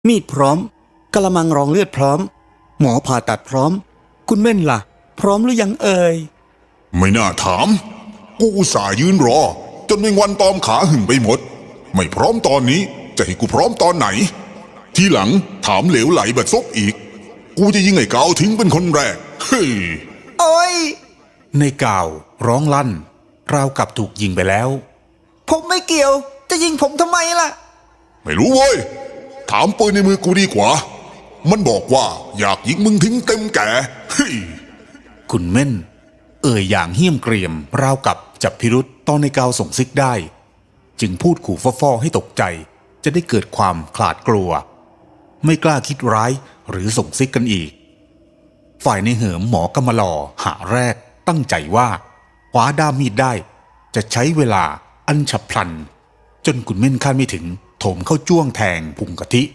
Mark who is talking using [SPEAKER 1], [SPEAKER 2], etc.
[SPEAKER 1] มีดพร้อมกะละมังรองเลือดพร้อมหมอผ่าตัดพร้อมคุณเม่นล่ะพร้อมหรือยังเอ่ย
[SPEAKER 2] ไม่น่าถามกูอุตส่าห์ยืนรอจนแมงวันตอมขาหึ่งไปหมดไม่พร้อมตอนนี้จะให้กูพร้อมตอนไหนทีหลังถามเหลวไหลแบบซกอีกกูจะยิงไอ้กาวทิ้งเป็นคนแรกเฮ้ย
[SPEAKER 1] โอ้ย
[SPEAKER 3] ในกาวร้องลั่นราวกับถูกยิงไปแล้ว
[SPEAKER 1] ผมไม่เกี่ยวจะยิงผมทำไมล่ะ
[SPEAKER 2] ไม่รู้เว้ยถามปืนในมือกูดีกว่ามันบอกว่าอยากยิงมึงทิ้งเต็มแก่เฮ้ย
[SPEAKER 3] คุณเม่นเอ่ยอย่างเหี้ยมเกรียมราวกับจับพิรุษตอนในกาวส่งซิกได้จึงพูดขู่ฟ่อๆให้ตกใจจะได้เกิดความขลาดกลัวไม่กล้าคิดร้ายหรือส่งซิกกันอีกฝ่ายในเหิมหมอกำมะลอหาแรกตั้งใจว่าคว้าด้ามมีดได้จะใช้เวลาอันฉับพลันจนคุณเม่นคาดไม่ถึงโถมเข้าจ้วงแทงพุงกะทิ